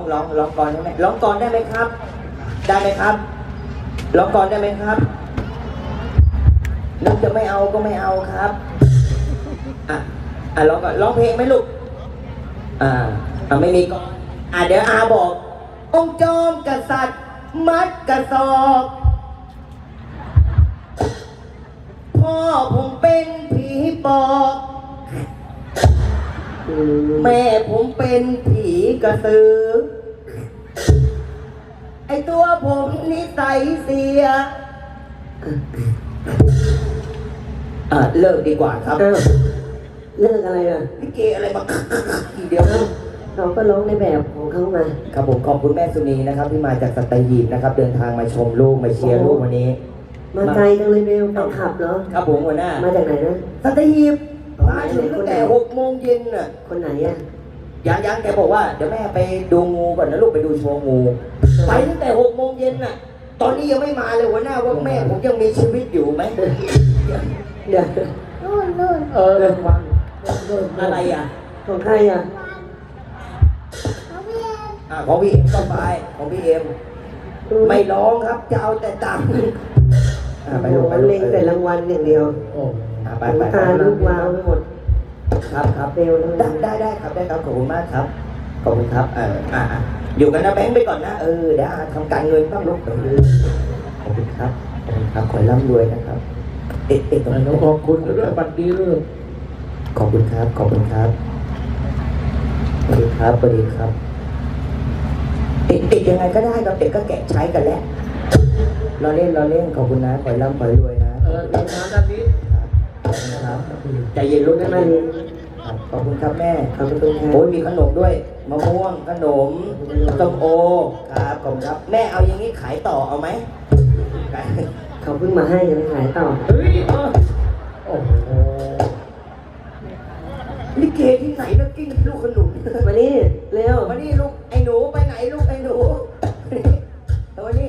ร้องก่อนได้ไหมร้องก่อนได้ไหมครับ ได้ไหมครับร้องก่อนได้ไหมครับนึกจะไม่เอาก็ไม่เอาครับร้องก่อนร้องเพลงไหมลูกไม่มีก่อนเดี๋ยวบอกองค์จอมกษัตริย์มัดกระสอบพ่อผมเป็นผีปอบแม่ผมเป็นผีกระสือไอตัวผมนิสัยเสียเลิกดีกว่าครับเลิกอะไรอ่ะลิเกอะไรมาทีเดียวเราก็ร้องในแบบของเขามาครับผมขอบคุณแม่สุนีนะครับที่มาจากสัตหีบนะครับเดินทางมาชมลูกมาเชียร์ลูกวันนี้มาไกลจังเลยเบลแฟนคลับเหรอครับผมหัวหน้ามาจากไหนนะสัตหีบมาถึงตั้งแต่6 โมงเย็นน่ะคนไหนอ่ะยังแกบอกว่าเดี๋ยวแม่ไปดูงูก่อนนะลูกไปดูโชว์งูไปตั้งแต่6 โมงเย็นน่ะตอนนี้ยังไม่มาเลยหัวหน้าว่าแม่ผมยังมีชีวิตอยู่ไหมเดี๋ยวนู่นวันอะไรของใครของพี่เอ็มก็ไปของพี่เอ็มไม่ร้องครับจะเอาแต่ตังค์ไปลงเล่งแต่รางวัลอย่างเดียวไปตาลูกวาวไปหมดครับเร็วได้ครับได้ครับขอบคุณมากครับขอบคุณครับอยู่กันนะแบงค์ไปก่อนนะเดี๋ยวทำการเงินต้องลุกขอบคุณครับขอร่ำรวยนะครับตรงนี้ขอบคุณด้วยบัตรดีด้วยขอบคุณครับสวัสดีครับติดยังไงก็ได้ครับเด็กก็แกะใช้กันแล้วเราเล่นขอบคุณนะขอร่ำขอรวยนะเรื่องงานด้านนี้ครับใจเย็นลูกได้ไหมขอบคุณครับแม่ขอบคุณครับโอ้ยมีขนมด้วยมะม่วงขนมส้มโอครับขอบคุณครับแม่เอาอย่างนี้ขายต่อเอาไหมเขาเพิ่งมาให้จะไปขายต่อเฮ้ยโอ้โหลิเกที่ไหนแล้วกิ้งลูกขนุนมานี่เร็วมานี่ลูกไอ้หนูไปไหนลูกไอ้หนูตัวนี้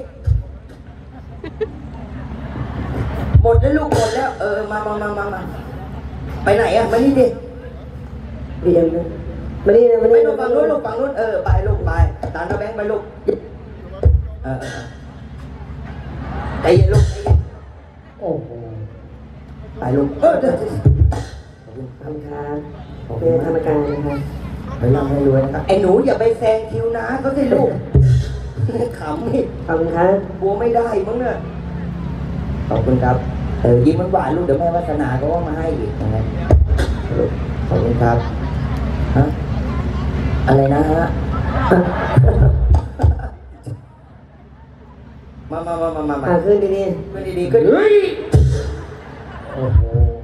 หมดแล้วลูกหมดแล้วมาไปไหนมานี่ดิเรียนนะมานี่นะไปลูกฝั่งนู้นไปลูกไปตามน้าแบงค์ไปลูกใจเย็นลูกโอ้โหไปลูกขอบคุณครับเป็นธรรมการนะครับไปร่ำให้รวยนะครับไอ้หนูอย่าไปแซงคิวนะเขาสิลูกขำนี่ขอบคุณครับบัวไม่ได้มั้งเนี่ยขอบคุณครับยิ้มหวานลูกเดี๋ยวแม่วัฒนาก็ว่ามาให้อีกนะครับขอบคุณครับอะไรนะฮะมาขึ้นดีขึ้นเฮ้ยโอ้โห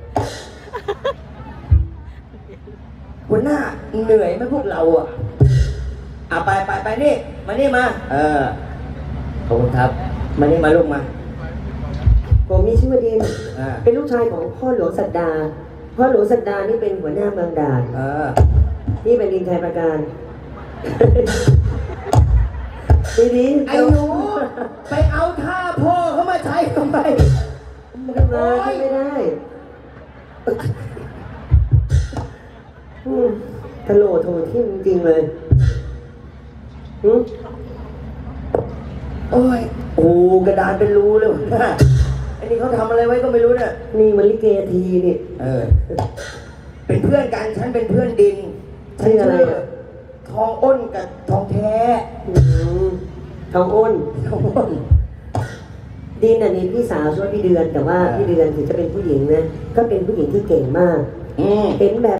หัวหน้าเหนื่อยไหมพวกเราไปนี่มานี่มาขอบคุณครับมานี่มาลูกมาผมมีชื่อว่าดินเป็นลูกชายของพ่อหลวงสัตดาพ่อหลวงสัตดานี่เป็นหัวหน้าเมืองด่านนี่เป็นดินชัยประการดีไอ้หนูไปเอาท่าพ่อเขามาใช้ทำไมไม่ได้ตลโถที่จริงเลยโอ้ยกระดานเป็นรูเลยนะไอ้นี่เขาทำอะไรไว้ก็ไม่รู้เนี่ยนี่มันลิเกทีนี่เป็นเพื่อนกันฉันเป็นเพื่อนดินชื่ออะไรทองอ้นกับทองแท้ทองอ้นดินนี่พี่สาวช่วยพี่เดือนแต่ว่าพี่เดือนถึงจะเป็นผู้หญิงนะก็เป็นผู้หญิงที่เก่งมากเห็นแบบ